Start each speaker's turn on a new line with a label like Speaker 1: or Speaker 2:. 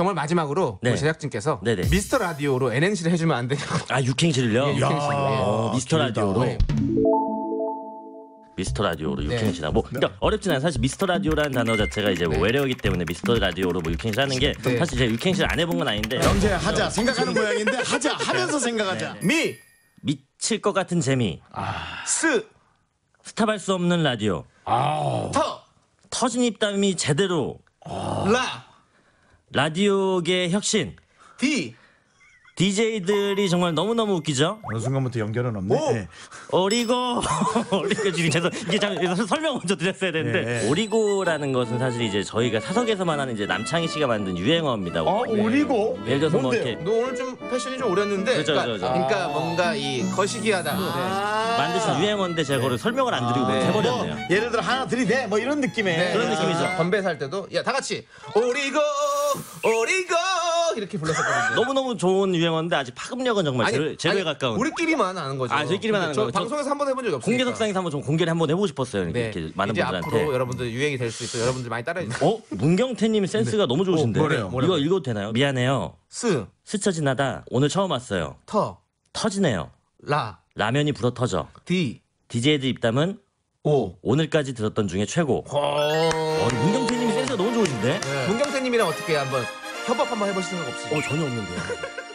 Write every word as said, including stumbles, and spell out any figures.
Speaker 1: 정말 마지막으로
Speaker 2: 네.
Speaker 1: 우리 제작진께서
Speaker 2: 네네.
Speaker 1: 미스터 라디오로 엔엔씨를 해주면 안 되냐고.
Speaker 2: 아 육행시를요?
Speaker 1: 예, 육행시.
Speaker 2: 어, 미스터
Speaker 3: 길다.
Speaker 2: 라디오로.
Speaker 1: 네.
Speaker 2: 미스터 라디오로
Speaker 1: 네.
Speaker 2: 육행시나 뭐 그러니까 어렵진 않아요. 사실 미스터 라디오라는 단어 자체가 이제 뭐
Speaker 1: 네.
Speaker 2: 외래어기 때문에 미스터 라디오로 뭐 육행시 하는 게
Speaker 1: 네.
Speaker 2: 사실 제가 육행시를 안 해본 건 아닌데
Speaker 3: 영재 하자 생각하는 모양인데 하자 하면서 생각하자.
Speaker 1: 미,
Speaker 2: 미칠 것 같은 재미,
Speaker 1: 스,
Speaker 2: 스탑할 수 없는 라디오,
Speaker 1: 터,
Speaker 2: 터진 입담이 제대로,
Speaker 1: 라,
Speaker 2: 라디오계 혁신,
Speaker 1: 디,
Speaker 2: 디제이들이 정말 너무너무 웃기죠?
Speaker 3: 어느 순간부터 연결은 없네.
Speaker 1: 오!
Speaker 3: 네.
Speaker 2: 오리고 오리고 지금 죄송 이게 참 설명 먼저 드렸어야 되는데
Speaker 3: 네.
Speaker 2: 오리고라는 것은 사실 이제 저희가 사석에서만 하는 이제 남창희 씨가 만든 유행어입니다.
Speaker 3: 어 오리고.
Speaker 2: 예를 들어서 뭐
Speaker 3: 뭔데요?
Speaker 2: 이렇게
Speaker 1: 너 오늘 좀 패션이 좀 오렸는데.
Speaker 2: 그렇죠,
Speaker 1: 그러니까,
Speaker 2: 그렇죠.
Speaker 1: 그러니까 뭔가 이 거시기하다. 네.
Speaker 2: 만드신 유행어인데 제가 그걸 설명을 안 드리고
Speaker 1: 네.
Speaker 2: 해버렸네요.
Speaker 3: 뭐, 예를 들어 하나 들이대 뭐 이런 느낌의
Speaker 1: 네.
Speaker 2: 그런 느낌이죠.
Speaker 1: 건배 살 때도 야 다 같이 오리고 오리고 이렇게 불렀었거든요.
Speaker 2: 너무너무 좋은 유행어인데 아직 파급력은 정말 제로, 제로에 가까운.
Speaker 1: 우리끼리만 아는 거죠.
Speaker 2: 아, 저희끼리만 아는
Speaker 1: 저
Speaker 2: 거죠.
Speaker 1: 방송에서 한 번 해본 적이 없어요.
Speaker 2: 공개석상에서 한번 좀 공개를 한번 해보고 싶었어요. 이렇게,
Speaker 1: 네.
Speaker 2: 이렇게 많은
Speaker 1: 이제
Speaker 2: 분들한테.
Speaker 1: 앞으로 여러분들 유행이 될 수 있어. 여러분들 많이 따라해 주세요.
Speaker 2: 어? 문경태님 센스가 너무 좋으신데.
Speaker 3: 어, 뭐래요?
Speaker 2: 이거
Speaker 1: 뭐라고요?
Speaker 2: 읽어도 되나요? 미안해요.
Speaker 1: 스,
Speaker 2: 스쳐 지나다 오늘 처음 왔어요.
Speaker 1: 터,
Speaker 2: 터지네요.
Speaker 1: 라,
Speaker 2: 라면이 불어 터져.
Speaker 1: 디,
Speaker 2: 디제이들 입담은
Speaker 1: 오.
Speaker 2: 오늘까지 들었던 중에 최고.
Speaker 1: 어.
Speaker 2: 어, 문경태님이 센스가 너무 좋으신데?
Speaker 1: 네. 문경태님이랑 어떻게 한번 협업 한번 해보실 생각 없으세요?
Speaker 2: 어, 전혀 없는데요.